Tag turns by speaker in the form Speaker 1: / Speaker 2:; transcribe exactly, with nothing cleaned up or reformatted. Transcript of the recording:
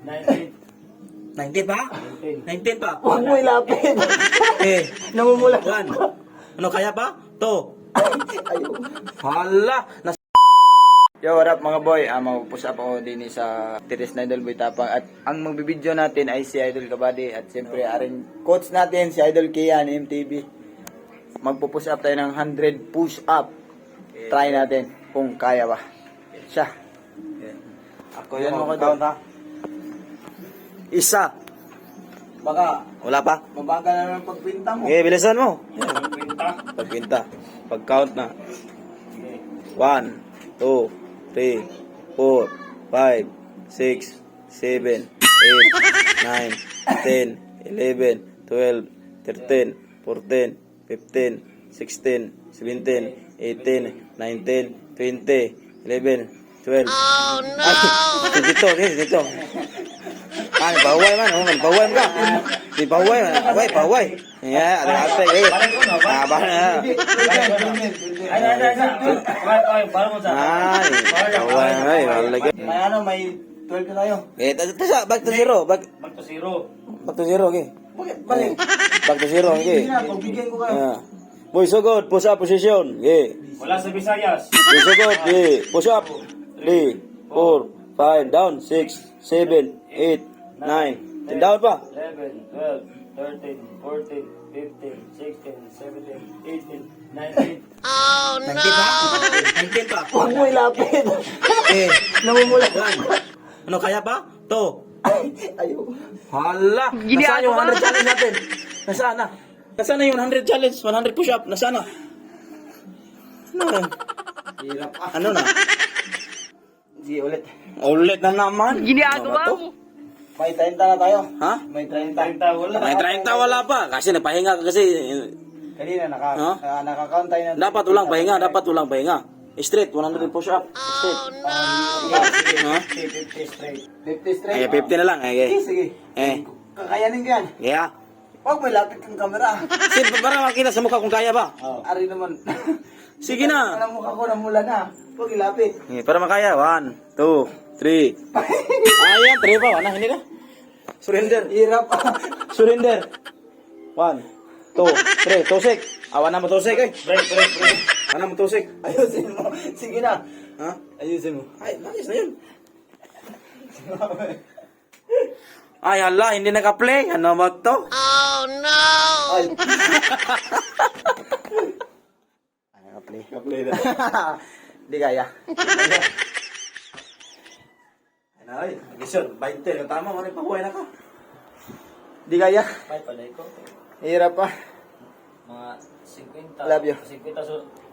Speaker 1: nineteen.
Speaker 2: nineteen pa? nineteen pa?
Speaker 3: Huwag mo ilapit.
Speaker 2: Eh,
Speaker 3: Namumula.
Speaker 2: one. Ano, kaya pa? Two.
Speaker 3: Ayun.
Speaker 2: Hala! Nas
Speaker 3: Yo, what up mga boy? Ah, mag-push up ako din sa Tiris na Idol Boy Tapang. At ang magbibideo natin ay si Idol Kabady. At siyempre, aring coach natin, si Idol Kian, M T V. Magpo-push up tayo ng one hundred push up. Try natin kung kaya ba. Siya.
Speaker 2: Ako
Speaker 3: Yan
Speaker 2: yung
Speaker 3: mo ko
Speaker 2: count
Speaker 3: doon.
Speaker 2: ha. Isa.
Speaker 3: Baka
Speaker 2: Wala pa.
Speaker 3: mabagal na ng pagpinta mo.
Speaker 2: Okay, bilisan mo.
Speaker 1: Pagpinta.
Speaker 2: Pagpinta. Pag-count na. One, two, three, four, five, six, seven, eight, nine, ten, eleven, twelve, thirteen, fourteen, fifteen, sixteen, seventeen, eighteen, nineteen, twenty, eleven, twelve. Oh no! Ay, dito, dito, dito. Ah, baway man, oh, baway ka. Di baway man, baway, baway. Ya, ada ate, eh. Ah, bahana.
Speaker 1: Ay, ay, ay, ay. Ay, ay, para mo sa.
Speaker 2: Ay, baway, ay, malagay.
Speaker 3: May ano, may twelve na tayo.
Speaker 2: Eh, tasa, back to zero, back,
Speaker 1: Back to zero.
Speaker 2: back to zero, okay.
Speaker 3: Bakit? Balik.
Speaker 2: Back to zero, okay.
Speaker 3: Sige na, pagbigyan ko kayo.
Speaker 2: Yeah. Boy, so good, push up position, okay.
Speaker 1: Wala sa Visayas.
Speaker 2: Boy, so good, okay. Push up. Three, four, five, down, six, seven, eight, nine, ten, down pa.
Speaker 1: eleven, twelve, thirteen, fourteen, fifteen, sixteen, seventeen, eighteen, nineteen.
Speaker 2: nineteen pa? nineteen pa?
Speaker 3: Huwag mo ilapit.
Speaker 2: Eh,
Speaker 3: Namumula.
Speaker 2: one. Ano, kaya pa? Two.
Speaker 3: Ayun.
Speaker 2: Hala! Nasaan yung one hundred challenge natin? Nasaan na? Nasaan na yung one hundred challenge? one hundred push-up? Nasaan na? Ano na?
Speaker 3: Hirap ah.
Speaker 2: Ano na?
Speaker 3: Sige, ulit.
Speaker 2: Ulit na naman. Ginagawa mo.
Speaker 3: May thirty na tayo.
Speaker 2: Ha?
Speaker 3: May thirty.
Speaker 1: Treinta, wala.
Speaker 2: May thirty wala pa. Kasi napahinga ka kasi.
Speaker 3: Kanina, naka,
Speaker 2: Ha?
Speaker 3: uh, nakakount tayo na.
Speaker 2: Dapat ulang pahinga. Dapat ulang pahinga. Straight, one hundred push-up. Straight. Ha?
Speaker 3: fifty straight. fifty straight.
Speaker 2: Ay, fifty na lang.
Speaker 3: Sige,
Speaker 2: Okay.
Speaker 3: sige.
Speaker 2: Eh.
Speaker 3: Kakayanin ko yan.
Speaker 2: Yeah.
Speaker 3: Huwag mo ilapit ang camera.
Speaker 2: Sige, para makita sa mukha kung kaya ba.
Speaker 3: Ari naman.
Speaker 2: Sige na.
Speaker 3: Ang mukha ko namula na. Huwag ilapit.
Speaker 2: Eh, para makaya. One, two, three. Ayan, three pa. Wala, hindi na. Surrender.
Speaker 3: Hirap ah.
Speaker 2: Surrender. One, two, three. Tusik. Awan na mo tusik eh.
Speaker 1: Break, break, break.
Speaker 2: Awan na mo tusik.
Speaker 3: Ayusin mo. Sige na.
Speaker 2: Ha?
Speaker 3: Ayusin mo.
Speaker 2: Ay, ayos na yun. Ay, hala, hindi naka-play. Ano ba to?
Speaker 3: Ay. Ay, naka-play.
Speaker 2: Naka-play na.
Speaker 3: Hindi kaya.
Speaker 2: Ano, ay, gisyon, twenty. Tama mo rin, pahuay na ka.
Speaker 3: Hindi kaya.
Speaker 1: Ay, palay ko.
Speaker 3: Hirap ah.
Speaker 1: Mga fifty.
Speaker 3: Love you.
Speaker 1: fifty so